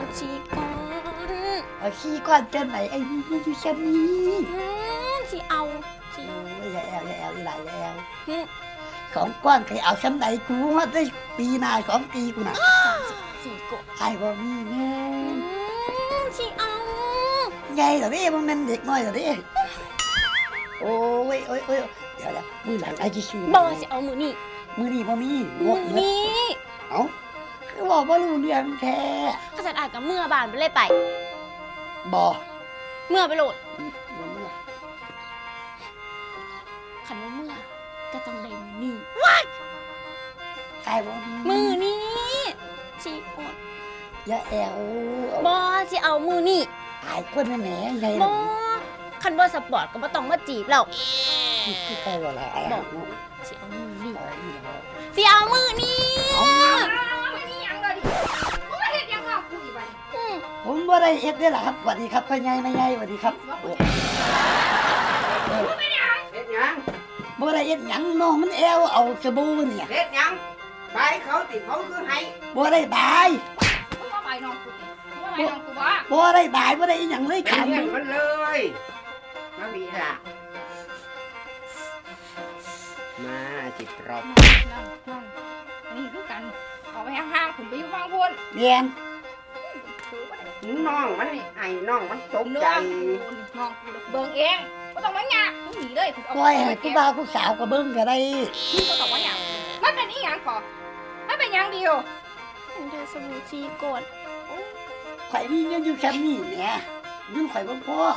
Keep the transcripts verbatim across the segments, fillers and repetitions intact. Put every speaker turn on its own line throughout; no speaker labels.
ชีก่อน
เอาขี้ก้อนเจ้าไหนไอ้นี่อยู่ชั้นนี้
ชีเอาชี
โอ้ยอย่าแอวอย่าแอวอีหลายอย่าแอวสองก้อนใครเอาชั้นไหนกูว่าได้ปีหน้าสองปีกูน่ะ
ชีก่อน
ไอ้บ่มีเงิน
ชีเอา
ไงเหรอเด้มันเป็นเด็กน้อยเหรอเด้โอ้ยโอ้ยโอ้ยเดี๋ยวเดี๋ยวมือหลังไอ้ที่ชื่อ
บ่จะเอามือนี่
มือนี่บ่มี
มือนี่
เอ้าคือบอกว่ารู้เรื่องแท้
ข้าจัดอ่านกับเมื่อบานไปเลยไป
บ่
เมื่อไปโหลด
มื่อ
ขันว่าเมื่อก็ต้องได้มือนี่
ใครบ่
มือนี่ชีก่อน
อย่าแอว
บ่จะเอามือนี่
ไอ้คนนั่นแหละไง
บ่คันบ่สปอร์ตก็บ่ต้องมาจีบเรา
ที่ใครว่าอะไร
บอกสิเอามือนี่สิเอามือนี่
ไม่นี่ยังเลยดิมึงมาเฮ็ดยังงอกกูอีกบัด
ผมบ่ได้เอ็ดได้ล่ะครับสวัสดีครับพ่อใหญ่แม่ใหญ่สวัสดีครับ
ไม่ได้เฮ็ดยัง
บ่ได้เอ็ดหยังน้องมันแอวเอาสบู่เนี่ย
เฮ็ดยังใบเขาติเขาคือให้
บ่ได้บาย
มึงมาใบน้องกูติมึงมาใบน้องกูบ่
บ่ได้บายบ่ได้อีหยังเลย
ถามมันเลยมาบีล่ะมาจิตรอบนั่งนั่งนี่คือกันออกไปห่างๆผมไปอยู่ฟังพูน
เรียน
น้องมันไอ้น้องมันตกใจน้องกูเบิ่งเองก็ต้องมาหยาบมึงหนีเลย
ปล่อยให้ผู้บ่าวผู้สาวก็เบิ่งก็ได้
มึงก็ต้องมาหยาบมันเป็นอีหยังก่อมันเป็นหยังเดียว
เดี๋ยวสมุนชีกด
ข่อยมีเงินอยู่แค่นี้แหมเงินข่อยบ่พอ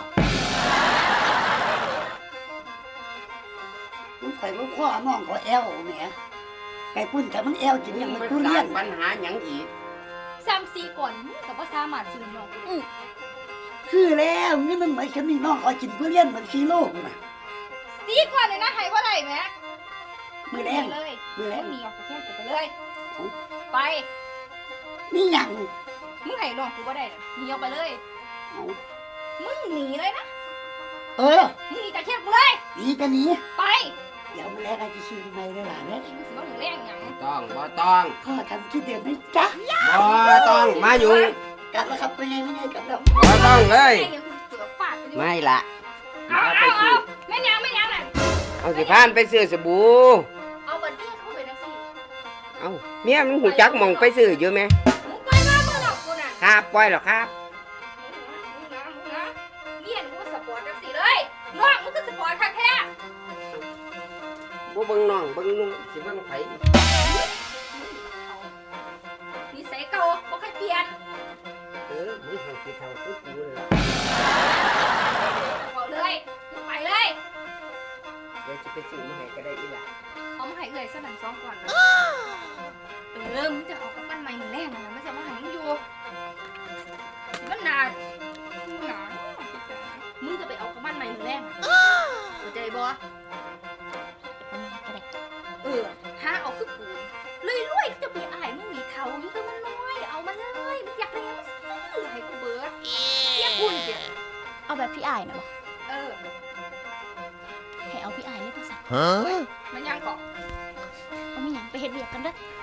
เงินข่อยบ่พอน้องก็แอวแหมไก่ปุ้นแต่มันแอวกินยังมันทุเรียน
ปัญหาหยังอีก
ซ้ำซีก่อนแต่ว่าสามารถซื้อน้องอือ
คือแล้วนี่มันเหมือนฉันมีน้องคอยกินทุเรียนเหมือนซีโร่น่ะ
ซีก่อนเลยนะให้บ่ได้แหม
มือแรง
เลย
มือแรง
มีออกจากแค่กูไปเลยไป
นี่หยัง
มึงให้น้องกูบ่ได้หนีออกไปเลยมึงหนีเลยนะ
เออ
มึงหนีจากแค่กูเลย
หนีก็หนี
ไป
เดี๋ยวมาแล้วไอ้ที่ชื่อทำไมได้ล่ะเนี่ย
บ่ถึงแรงหยัง
ต้องบ่ต้อง
ข้อทำคิดเดือดไหมจ๊ะ
บ่ต้องมาอยู่
กลับแล้วครับเป็นไงไม่ไงกลับแล้ว
บ่ต้องเลยไม่ละ
เอาเอาเอาไม่ยังไม่ยังน่ะ
เอาสิพานไปซื้อสบู่
เอาบัดนี้เข้าไปจังซี่
เอาเมียมันหูจักมองไปซื้ออยู่มั้ย
มึงปล่อยมาบ่หรอกกูน่ะ
ครับปล่อยหรอกครับ
เมียนกูสปอร์ตจังซี่เลยน้องมึงก็สปอร์ตคักแท้
บ่เบิ่งน้องเบิ่งนุ่งสิเบิ่งไผ
นิสัยเก่าบ่เคยเปลี่ยน
เออมึงให้สิเฒ่าคือกูเลยล่ะ
บอกเลยไปเลย
เดี๋ยวสิไปซื้อมาให้ก็ได้อีหล่ะ
เอามาให้เอ้ยซะนั่นสองก่อนเออมึงจะเอากับปั้นใหม่มื้อแรกน่ะมันจะมาให้มึงอยู่มันนานหนามึงจะไปเอากับปั้นใหม่มื้อแรกเข้าใจบ่เออหาเอาคือกูเลยรวยจะไปอายมึงมีเท่าอยู่แต่มันน้อยเอามาเลยมันอยากได้มันซื้อให้กูเบิดเสียคุณเสีย
เอาแบบพี่อายนะบ่
เออ
ให้เอาพี่อายเลยภาษา
มันยังเกาะ
เอาไม่ยังไปเฮ็ดเวียกกันเด้อ